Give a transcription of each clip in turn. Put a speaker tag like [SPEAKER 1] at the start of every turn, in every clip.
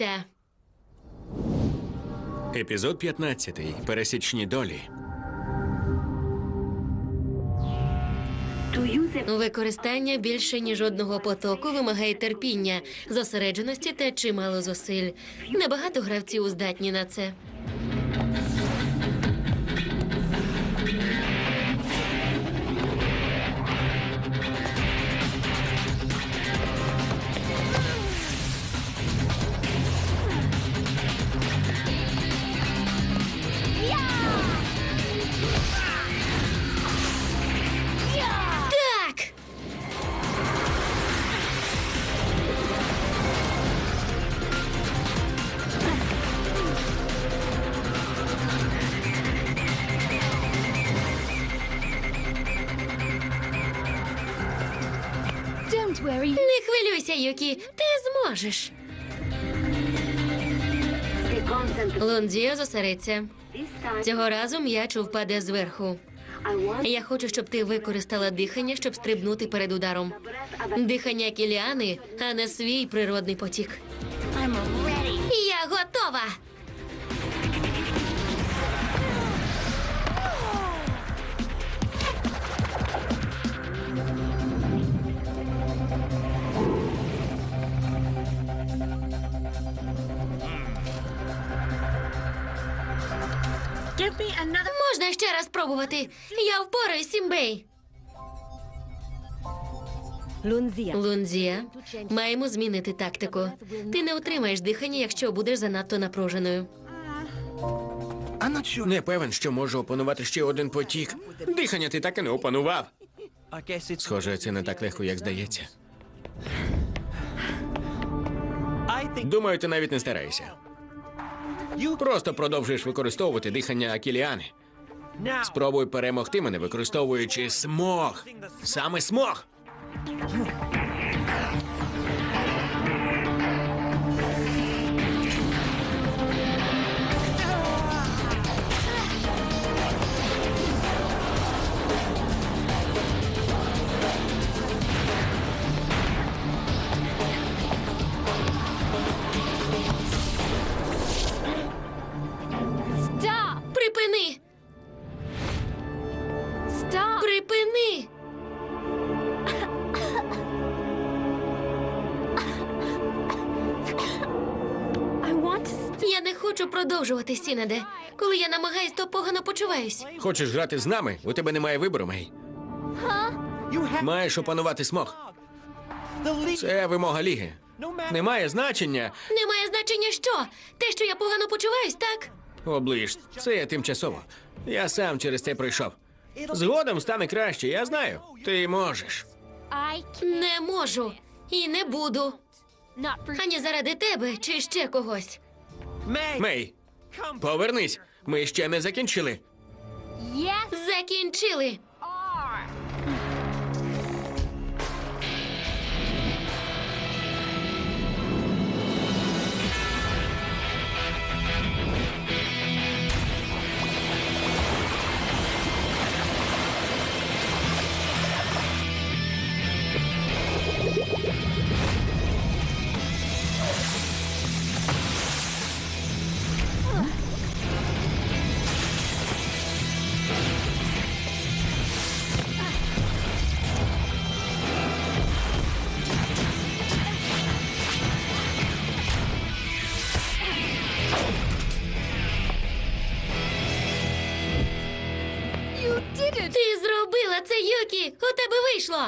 [SPEAKER 1] щастя.
[SPEAKER 2] Епізод 15. Пересічні долі.
[SPEAKER 1] Використання більше ніж одного потоку вимагає терпіння, зосередженості та чимало зусиль. Небагато гравців здатні на це. Так!
[SPEAKER 3] Don't worry.
[SPEAKER 1] Не хвилюйся, Юкі, ти зможеш. Лондзія зосередься. Цього разу м'яч впаде зверху. Я хочу, щоб ти використала дихання, щоб стрибнути перед ударом. Дихання Кіліани, а не свій природний потік.
[SPEAKER 3] I'm ready.
[SPEAKER 1] Я готова!
[SPEAKER 3] Give me another.
[SPEAKER 1] Можна ще раз спробувати. Я впораюсь, Сімбей. Лунзія, маємо змінити тактику. Ти не утримаєш дихання, якщо будеш занадто напруженою.
[SPEAKER 2] Не певен, що можу опанувати ще один потік. Дихання ти так і не опанував. Схоже, це не так легко, як здається. Думаю, ти навіть не стараєшся. Просто продовжуєш використовувати дихання Кіліани. Спробуй перемогти мене, використовуючи смог. Саме смог.
[SPEAKER 3] Stop.
[SPEAKER 1] Припини!
[SPEAKER 3] Stop.
[SPEAKER 1] Припини!
[SPEAKER 3] I want to.
[SPEAKER 1] Я не хочу продовжувати, Сінаде. Коли я намагаюсь, то погано почуваюсь.
[SPEAKER 2] Хочеш грати з нами? У тебе немає вибору, Мей. Маєш опанувати смог. Це вимога ліги. Немає значення.
[SPEAKER 1] Немає значення що? Те, що я погано почуваюсь, так?
[SPEAKER 2] Оближ, це тимчасово. Я сам через це пройшов. Згодом стане краще, я знаю. Ти можеш.
[SPEAKER 3] I can't.
[SPEAKER 1] Не можу. І не буду.
[SPEAKER 3] Not for.
[SPEAKER 1] Ані заради тебе, чи ще когось.
[SPEAKER 2] Мей, повернись. Ми ще не закінчили.
[SPEAKER 3] Yes.
[SPEAKER 1] Закінчили.
[SPEAKER 3] Are. You did it.
[SPEAKER 1] Ти зробила це, Юкі! У тебе вийшло!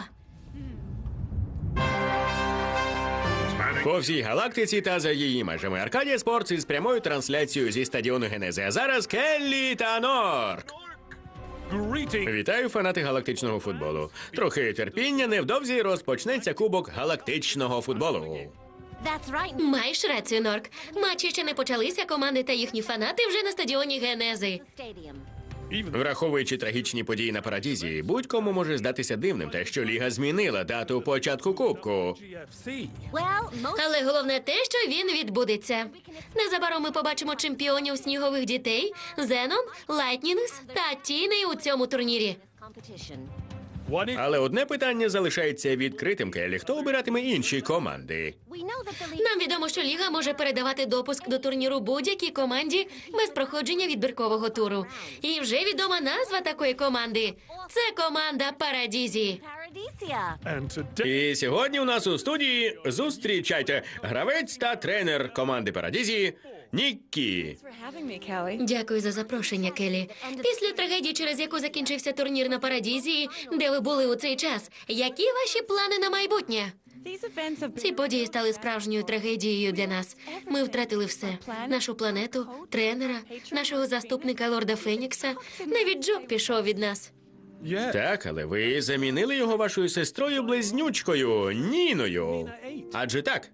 [SPEAKER 2] По всій галактиці та за її межами Аркадія Спортс із прямою трансляцією зі стадіону Генези. А зараз Келлі та Норк. Вітаю, фанати галактичного футболу. Трохи терпіння, невдовзі розпочнеться кубок галактичного футболу.
[SPEAKER 3] That's right.
[SPEAKER 1] Маєш рацію, Норк. Матчі ще не почалися, команди та їхні фанати вже на стадіоні Генези.
[SPEAKER 3] Stadium.
[SPEAKER 2] Враховуючи трагічні події на Парадізі, будь-кому може здатися дивним те, що Ліга змінила дату початку кубку.
[SPEAKER 3] Well, most.
[SPEAKER 1] Але головне те, що він відбудеться. Незабаром ми побачимо чемпіонів снігових дітей Зенон, Лайтнінгс та Тіни у цьому турнірі.
[SPEAKER 3] Competition.
[SPEAKER 2] Але одне питання залишається відкритим, Келлі. Хто обиратиме інші команди?
[SPEAKER 3] We know that the league.
[SPEAKER 1] Нам відомо, що Ліга може передавати допуск до турніру будь-якій команді без проходження відбіркового туру. І вже відома назва такої команди. Це команда Парадізі.
[SPEAKER 3] Paradisia.
[SPEAKER 2] І сьогодні у нас у студії зустрічайте гравець та тренер команди Парадізі Ніккі.
[SPEAKER 1] Дякую за запрошення, Келі. Після трагедії, через яку закінчився турнір на Парадізії, де ви були у цей час, які ваші плани на майбутнє? Ці події стали справжньою трагедією для нас. Ми втратили все: нашу планету, тренера, нашого заступника лорда Фенікса. Навіть Джок пішов від нас.
[SPEAKER 2] Так, але ви замінили його вашою сестрою-близнючкою Ніною. Адже так?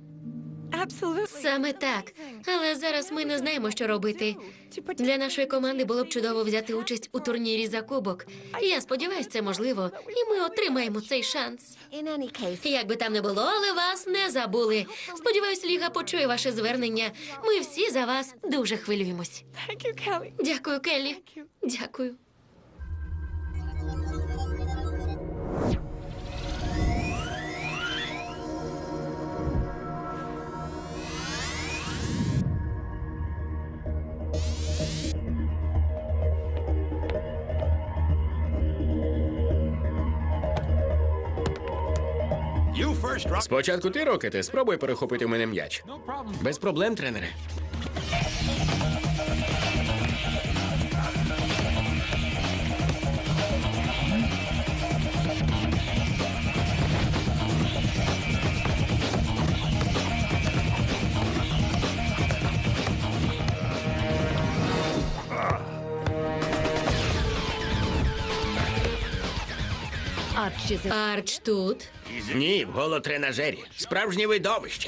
[SPEAKER 1] Саме так. Але зараз ми не знаємо, що робити. Для нашої команди було б чудово взяти участь у турнірі за кубок. Я сподіваюся, це можливо, і ми отримаємо цей шанс.
[SPEAKER 3] In any case,
[SPEAKER 1] Як би там не було, але вас не забули. Сподіваюсь, Ліга почує ваше звернення. Ми всі за вас дуже хвилюємось. Дякую, Келлі. Дякую.
[SPEAKER 2] Спочатку ти, Рокете, спробуй перехопити у мене м'яч. Без проблем, тренере.
[SPEAKER 1] Арч тут.
[SPEAKER 2] Ні, в голотренажері. Справжнє видовище.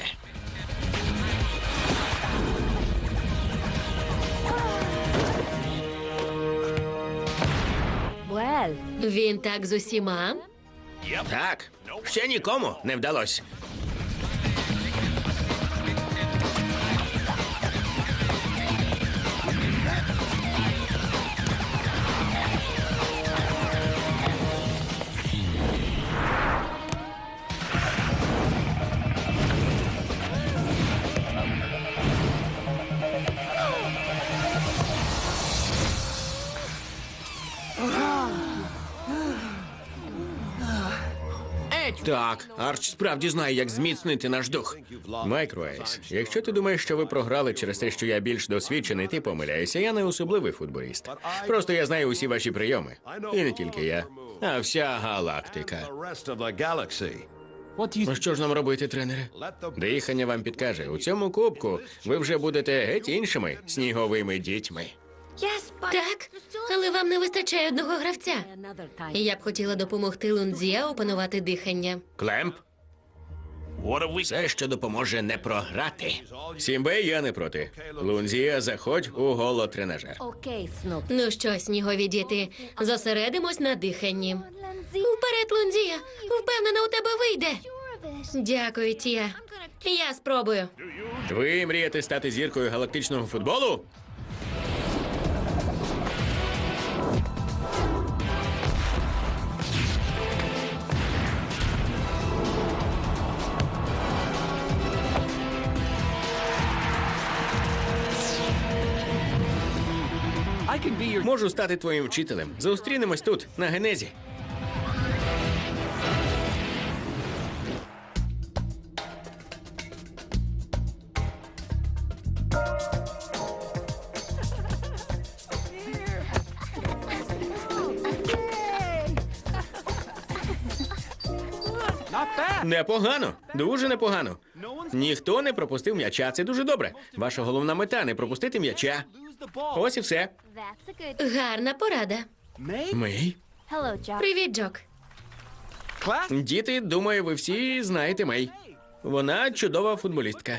[SPEAKER 3] well,
[SPEAKER 1] Він так з усіма.
[SPEAKER 2] Так, ще нікому не вдалося. Так, Арч справді знає, як зміцнити наш дух. Майкроейс, якщо ти думаєш, що ви програли через те, що я більш досвідчений, ти помиляєшся. Я не особливий футболіст. Просто я знаю усі ваші прийоми. І не тільки я, а вся галактика. Ну що ж нам робити, тренере? Дихання вам підкаже. У цьому кубку ви вже будете геть іншими сніговими дітьми.
[SPEAKER 3] yes, but
[SPEAKER 1] Так, але вам не вистачає одного гравця.
[SPEAKER 3] another time.
[SPEAKER 1] Я б хотіла допомогти Лунзія опанувати дихання.
[SPEAKER 2] Клемп? Все, що допоможе не програти. Сімбе, я не проти. Лунзія, заходь у голотренажер.
[SPEAKER 3] Okay, Snoop.
[SPEAKER 1] Ну що, снігові діти, зосередимось на диханні.
[SPEAKER 3] Lindsay,
[SPEAKER 1] Вперед, Лунзія! Впевнена, у тебе вийде.
[SPEAKER 3] sure of it.
[SPEAKER 1] Дякую, Тія. Я спробую.
[SPEAKER 2] Ви мрієте стати зіркою галактичного футболу? Можу стати твоїм вчителем. Зустрінемось тут, на Генезі. Непогано, дуже непогано. Ніхто не пропустив м'яча. Це дуже добре. Ваша головна мета не пропустити м'яча. Ось і все.
[SPEAKER 3] That's a good.
[SPEAKER 1] Гарна порада.
[SPEAKER 2] Мей?
[SPEAKER 3] Hello, Jock.
[SPEAKER 1] Привіт, Джок.
[SPEAKER 2] Діти, думаю, ви всі знаєте Мей. Вона чудова футболістка.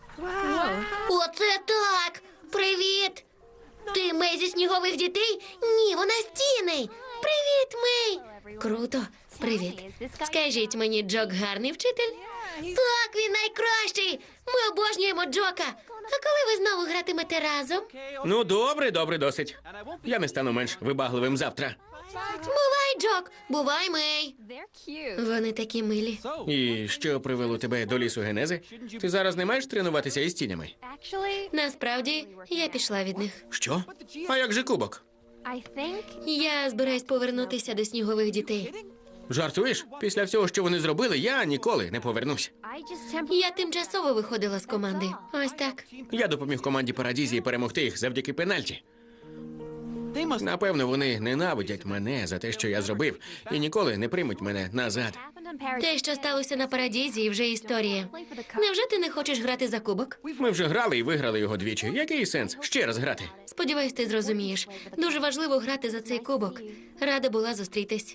[SPEAKER 1] Оце так! Привіт! Ти Мей зі снігових дітей? Ні, вона з Тіни. Привіт, Мей! Круто. Привіт. Скажіть мені, Джок гарний вчитель? Так, він найкращий. Ми обожнюємо Джока. А коли ви знову гратимете разом?
[SPEAKER 2] Ну, добре, добре, досить. Я не стану менш вибагливим завтра.
[SPEAKER 1] Бувай, Джок! Бувай, Мей!
[SPEAKER 3] They're cute.
[SPEAKER 1] Вони такі милі.
[SPEAKER 2] І що привело тебе до лісу Генези? Ти зараз не маєш тренуватися із тінями?
[SPEAKER 3] Actually,
[SPEAKER 1] Насправді, я пішла від них.
[SPEAKER 2] Що? А як же кубок?
[SPEAKER 3] I think
[SPEAKER 1] Я збираюсь повернутися до снігових дітей.
[SPEAKER 2] Жартуєш? Після всього, що вони зробили, я ніколи не повернусь.
[SPEAKER 3] I just
[SPEAKER 1] Я тимчасово виходила з команди. Ось так.
[SPEAKER 2] Я допоміг команді Парадізії перемогти їх завдяки пенальті. Напевно, вони ненавидять мене за те, що я зробив, і ніколи не приймуть мене назад.
[SPEAKER 3] happened on Paradise.
[SPEAKER 1] Те, що сталося на Парадізі, вже історія. Невже ти не хочеш грати за кубок?
[SPEAKER 2] Ми вже грали і виграли його двічі. Який сенс ще раз грати?
[SPEAKER 1] Сподіваюсь, ти зрозумієш. Дуже важливо грати за цей кубок. Рада була зустрітись.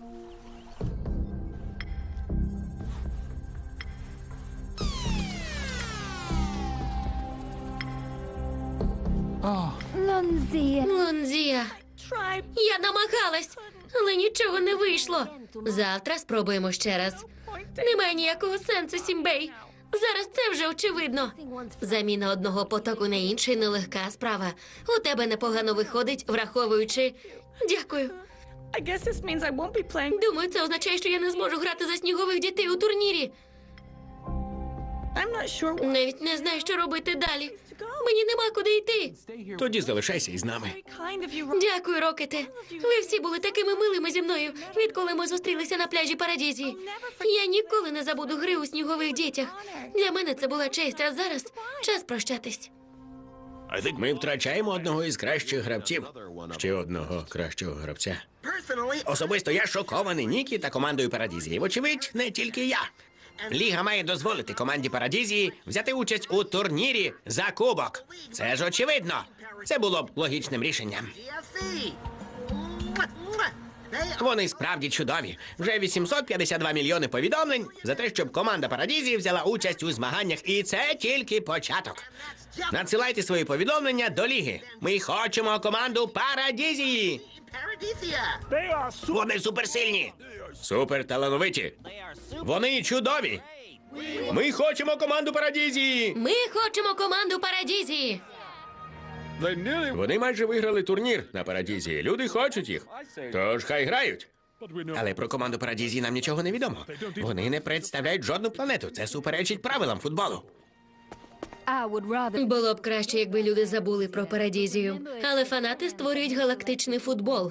[SPEAKER 3] Lunzi.
[SPEAKER 1] Лунзія, я намагалась, але нічого не вийшло. Завтра спробуємо ще раз. Немає ніякого сенсу, Сімбей. Зараз це вже очевидно. Заміна одного потоку на інший нелегка справа. У тебе непогано виходить, враховуючи. Дякую.
[SPEAKER 4] I guess this means I won't be playing.
[SPEAKER 1] Думаю, це означає, що я не зможу грати за снігових дітей у турнірі.
[SPEAKER 4] I'm not sure what
[SPEAKER 1] Навіть не знаю, що робити далі. Мені нема куди йти.
[SPEAKER 2] Тоді залишайся із нами.
[SPEAKER 4] kind of you.
[SPEAKER 1] Дякую, Рокете. Ви всі були такими милими зі мною, відколи ми зустрілися на пляжі Парадізі. Я ніколи не забуду гри у снігових дітях. Для мене це була честь, а зараз час прощатись.
[SPEAKER 2] Ми втрачаємо одного із кращих гравців. Ще одного кращого гравця. Особисто я шокований Нікі та командою Парадізії. Вочевидь, не тільки я. Ліга має дозволити команді Парадізії взяти участь у турнірі за кубок. Це ж очевидно. Це було б логічним рішенням. Вони справді чудові. Вже 852 мільйони повідомлень за те, щоб команда Парадізії взяла участь у змаганнях. І це тільки початок. Надсилайте свої повідомлення до ліги. Ми хочемо команду Парадізії. Вони суперсильні. Суперталановиті. Вони чудові. Ми хочемо команду Парадізії.
[SPEAKER 1] Ми хочемо команду Парадізії.
[SPEAKER 2] Вони майже виграли турнір на Парадізії. Люди хочуть їх. Тож хай грають. Але про команду Парадізії нам нічого не відомо. Вони не представляють жодну планету. Це суперечить правилам футболу.
[SPEAKER 3] I would rather.
[SPEAKER 1] Було б краще, якби люди забули про Парадізію. Але фанати створюють галактичний футбол.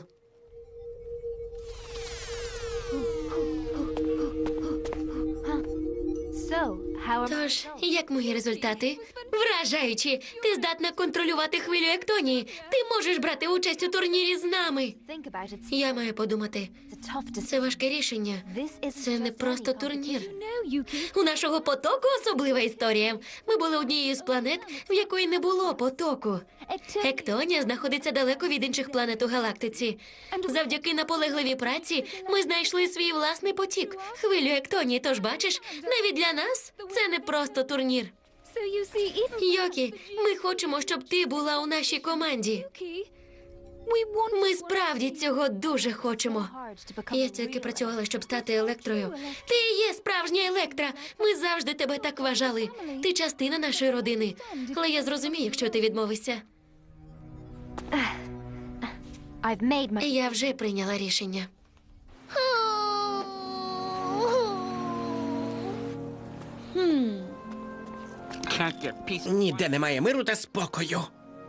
[SPEAKER 3] So, how are
[SPEAKER 1] Тож, як мої результати? Вражаючі! Ти здатна контролювати хвилю Ектонії. Ти можеш брати участь у турнірі з нами.
[SPEAKER 3] think about it?
[SPEAKER 1] Я маю подумати.
[SPEAKER 3] It's a tough decision.
[SPEAKER 1] Це важке рішення.
[SPEAKER 3] This is
[SPEAKER 1] Це не просто турнір.
[SPEAKER 3] No, Yuki.
[SPEAKER 1] У нашого потоку особлива історія. Ми були однією з планет, в якої не було потоку. Ектонія знаходиться далеко від інших планет у галактиці. Завдяки наполегливій праці ми знайшли свій власний потік, хвилю Ектонії. Тож бачиш, навіть для нас це не просто турнір.
[SPEAKER 3] So you see, even
[SPEAKER 1] Йокі, ми хочемо, щоб ти була у нашій команді.
[SPEAKER 3] Yuki, we want.
[SPEAKER 1] Ми справді цього дуже хочемо.
[SPEAKER 3] Hard to become
[SPEAKER 1] Я
[SPEAKER 3] a
[SPEAKER 1] стільки
[SPEAKER 3] real
[SPEAKER 1] працювала, щоб стати електрою. Ти є справжня електра. Ми завжди тебе так вважали. Ти частина нашої родини. Але я зрозумію, якщо ти відмовишся.
[SPEAKER 3] I've made my.
[SPEAKER 1] Я вже прийняла рішення.
[SPEAKER 2] Ніде немає миру та спокою.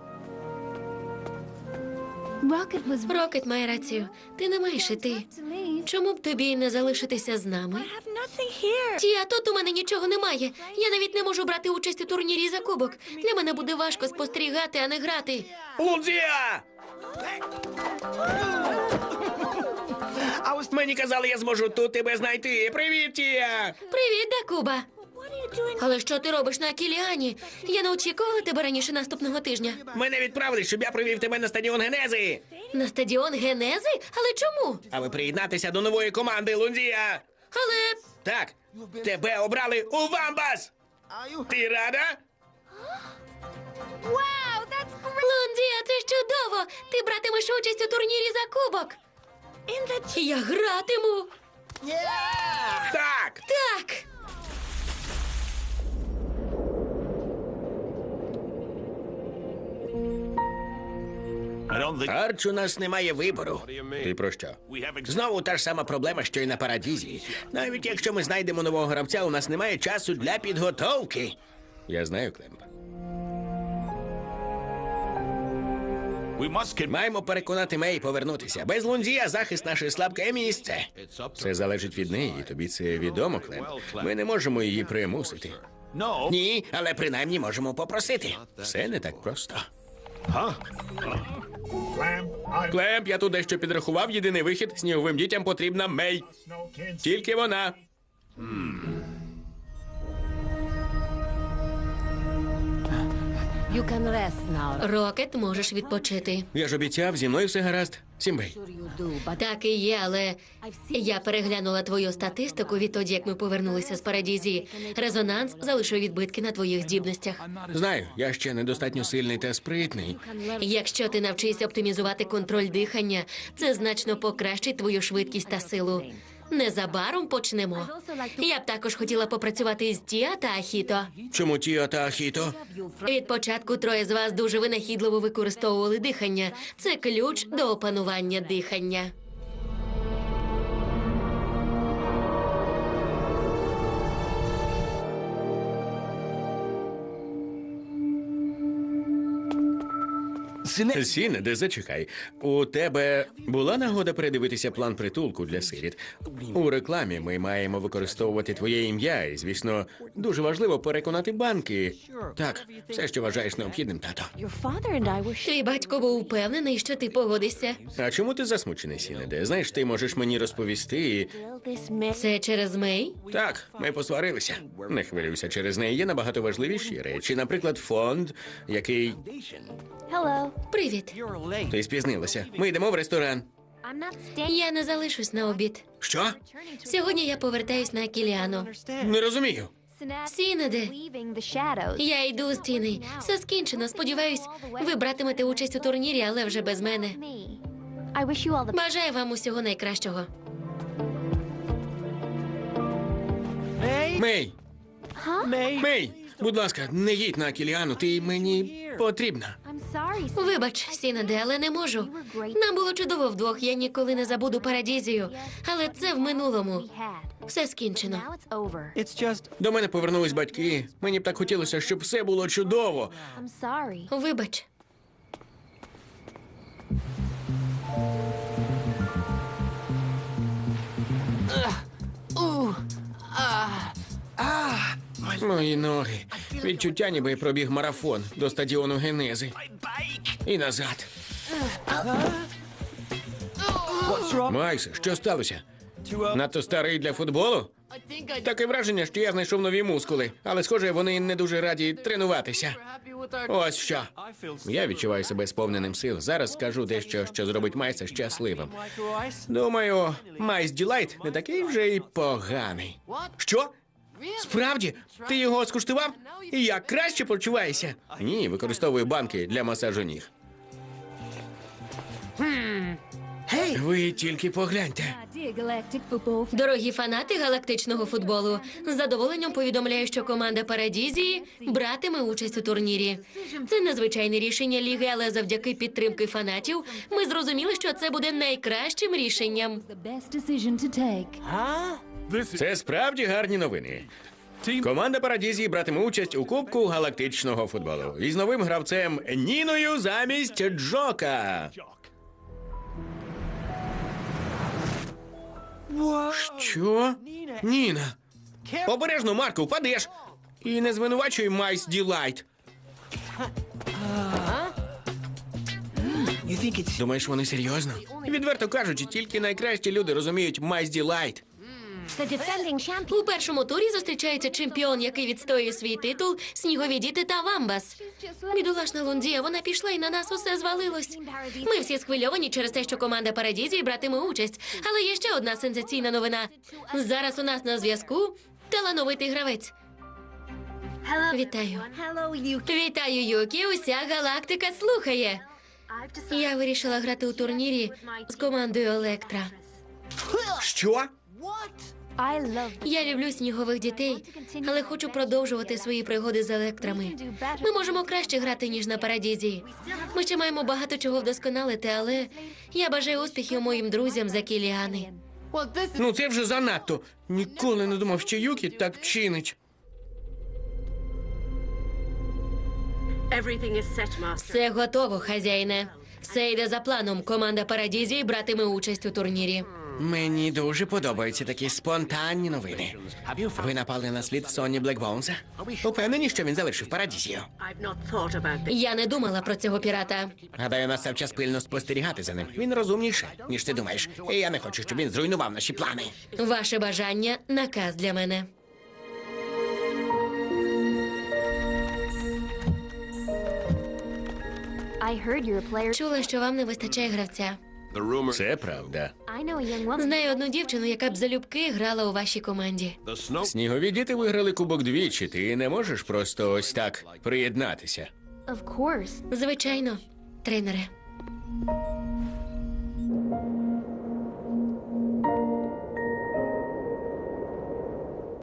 [SPEAKER 3] Rocket was right
[SPEAKER 1] Рокет має рацію. Ти не маєш іти.
[SPEAKER 3] to leave.
[SPEAKER 1] Чому б тобі не залишитися з нами?
[SPEAKER 4] I have nothing here.
[SPEAKER 1] Ті, а тут у мене нічого немає. Я навіть не можу брати участь у турнірі за кубок. Для мене буде важко спостерігати, а не грати.
[SPEAKER 2] Лунзія! Мені казали, я зможу тут тебе знайти. Привіт, Тія!
[SPEAKER 1] Привіт, Дакуба.
[SPEAKER 4] What are you doing?
[SPEAKER 1] Але що ти робиш на Кіліані? Я не очікувала тебе раніше наступного тижня.
[SPEAKER 2] Мене відправили, щоб я привів тебе на стадіон Генези.
[SPEAKER 1] На стадіон Генези? Але чому?
[SPEAKER 2] Аби приєднатися до нової команди, Лунзія.
[SPEAKER 1] Але
[SPEAKER 2] Так, тебе обрали у Вамбас. Ти рада?
[SPEAKER 3] Wow, that's great.
[SPEAKER 1] Лондія, це ж чудово! Ти братимеш участь у турнірі за кубок.
[SPEAKER 4] In the.
[SPEAKER 1] Я гратиму.
[SPEAKER 2] Так.
[SPEAKER 1] Так.
[SPEAKER 2] Арч, у нас немає вибору. Ти про що? Знову та ж сама проблема, що й на Парадізі. Навіть якщо ми знайдемо нового гравця, у нас немає часу для підготовки. Я знаю, Клемп. Маємо переконати Мей повернутися. Без Лунзія захист наше слабке місце. Все залежить від неї, і тобі це відомо, Клемп. Ми не можемо її примусити. Ні, але принаймні можемо попросити. Все не так просто. Клемп, я тут дещо підрахував. Єдиний вихід. Сніговим дітям потрібна Мей. Тільки вона.
[SPEAKER 5] You can rest now.
[SPEAKER 1] Рокет, можеш відпочити.
[SPEAKER 2] Я ж обіцяв, зі мною все гаразд. Сімбей.
[SPEAKER 5] Sure you do, but
[SPEAKER 1] Так і є, але я переглянула твою статистику відтоді, як ми повернулися з Парадізі. Резонанс залишив відбитки на твоїх здібностях.
[SPEAKER 2] Знаю, я ще недостатньо сильний та спритний.
[SPEAKER 1] Якщо ти навчишся оптимізувати контроль дихання, це значно покращить твою швидкість та силу. Незабаром почнемо. Я б також хотіла попрацювати з Тіа та Ахіто.
[SPEAKER 2] Чому Тіо та Ахіто?
[SPEAKER 1] Від початку троє з вас дуже винахідливо використовували дихання. Це ключ до опанування дихання.
[SPEAKER 2] Сінеде, зачекай. У тебе була нагода передивитися план притулку для сиріт? У рекламі ми маємо використовувати твоє ім'я, і, звісно, дуже важливо переконати банки. Так, все, що вважаєш необхідним, тато.
[SPEAKER 4] Your father and I were
[SPEAKER 1] Твій батько був упевнений, що ти погодишся.
[SPEAKER 2] А чому ти засмучений, Сінеде? Знаєш, ти можеш мені розповісти і...
[SPEAKER 4] this man.
[SPEAKER 1] Це через Мей?
[SPEAKER 2] Так, ми посварилися. Не хвилюйся, через неї є набагато важливіші речі. Наприклад, фонд, який...
[SPEAKER 3] Hello.
[SPEAKER 1] Привіт.
[SPEAKER 2] Ти спізнилася. Ми йдемо в ресторан.
[SPEAKER 3] I'm not staying.
[SPEAKER 1] Я не залишусь на обід.
[SPEAKER 2] Що?
[SPEAKER 1] Сьогодні я повертаюсь на Кіліану.
[SPEAKER 2] Не розумію.
[SPEAKER 1] Сінеде,
[SPEAKER 3] Leaving the shadows.
[SPEAKER 1] я йду з Тіни. Все скінчено. Сподіваюсь, ви братимете участь у турнірі, але вже без мене.
[SPEAKER 3] Me. I wish you all the
[SPEAKER 1] Бажаю вам усього найкращого.
[SPEAKER 2] Мей! Мей! Будь ласка, не їдь на Кіліану, ти мені потрібна.
[SPEAKER 3] I'm sorry.
[SPEAKER 1] Вибач, Сінеде, але не можу. Нам було чудово вдвох, я ніколи не забуду Парадізію. Але це в минулому.
[SPEAKER 3] We had.
[SPEAKER 1] Все скінчено.
[SPEAKER 3] Now it's over.
[SPEAKER 2] До мене повернулись батьки. Мені б так хотілося, щоб все було чудово.
[SPEAKER 3] I'm sorry.
[SPEAKER 1] Вибач.
[SPEAKER 2] Мої ноги. Відчуття, ніби я пробіг марафон до стадіону Генези. І назад. Майкс, що сталося? Надто старий для футболу? Таке враження, що я знайшов нові мускули, але, схоже, вони не дуже раді тренуватися. Ось що. Я відчуваю себе сповненим сил. Зараз скажу дещо, що зробить Майса щасливим. Думаю, Майс Ділайт не такий вже й поганий. Що? Справді? Ти його скуштував? І як краще почуваєшся? Ні, використовую банки для масажу ніг. Ви тільки погляньте.
[SPEAKER 1] Дорогі фанати галактичного футболу, з задоволенням повідомляю, що команда Парадізії братиме участь у турнірі. Це незвичайне рішення ліги, але завдяки підтримки фанатів ми зрозуміли, що це буде найкращим рішенням.
[SPEAKER 2] Це справді гарні новини. Команда Парадізії братиме участь у Кубку галактичного футболу. Із новим гравцем Ніною замість Джока. Що? Ніна. Обережно, Марко, впадеш. І не звинувачуй Майс Ділайт. Думаєш, вони серйозно? Відверто кажучи, тільки найкращі люди розуміють Майс Ділайт.
[SPEAKER 3] The defending champion.
[SPEAKER 1] У першому турі зустрічається чемпіон, який відстоює свій титул, снігові діти та Вамбас. Бідолашна Лундія, вона пішла і на нас усе звалилось. Ми всі схвильовані через те, що команда Парадізії братиме участь. Але є ще одна сенсаційна новина. Зараз у нас на зв'язку талановитий гравець. Вітаю.
[SPEAKER 3] Hello, you.
[SPEAKER 1] Вітаю, Юкі. Уся галактика слухає.
[SPEAKER 3] I've decided.
[SPEAKER 1] Я вирішила грати у турнірі з командою Електра.
[SPEAKER 2] Що?
[SPEAKER 3] I love
[SPEAKER 1] Я люблю снігових дітей, але хочу продовжувати свої пригоди з електрами. Ми можемо краще грати, ніж на парадізі. Ми ще маємо багато чого вдосконалити, але я бажаю успіхів моїм друзям за Кіліани.
[SPEAKER 2] Ну це вже занадто. Ніколи не думав, що Юкі так чинить.
[SPEAKER 4] Everything is set, Master.
[SPEAKER 1] Все готово, хазяїне. Все йде за планом. Команда Парадізії братиме участь у турнірі.
[SPEAKER 6] Мені дуже подобаються такі спонтанні новини. Ви напали на слід Сонні Блекбоунса? Упевнені, що він залишив Парадізію?
[SPEAKER 4] I've not thought about this.
[SPEAKER 1] Я не думала про цього пірата.
[SPEAKER 6] Гадаю, настав час пильно спостерігати за ним. Він розумніший, ніж ти думаєш. І я не хочу, щоб він зруйнував наші плани.
[SPEAKER 1] Ваше бажання – наказ для мене.
[SPEAKER 3] I heard you're a player.
[SPEAKER 1] Чула, що вам не вистачає гравця.
[SPEAKER 2] Це правда.
[SPEAKER 3] I know a young woman.
[SPEAKER 1] Знаю одну дівчину, яка б залюбки грала у вашій команді.
[SPEAKER 2] Снігові діти виграли кубок двічі. Ти не можеш просто ось так приєднатися.
[SPEAKER 3] Of course.
[SPEAKER 1] Звичайно, тренере.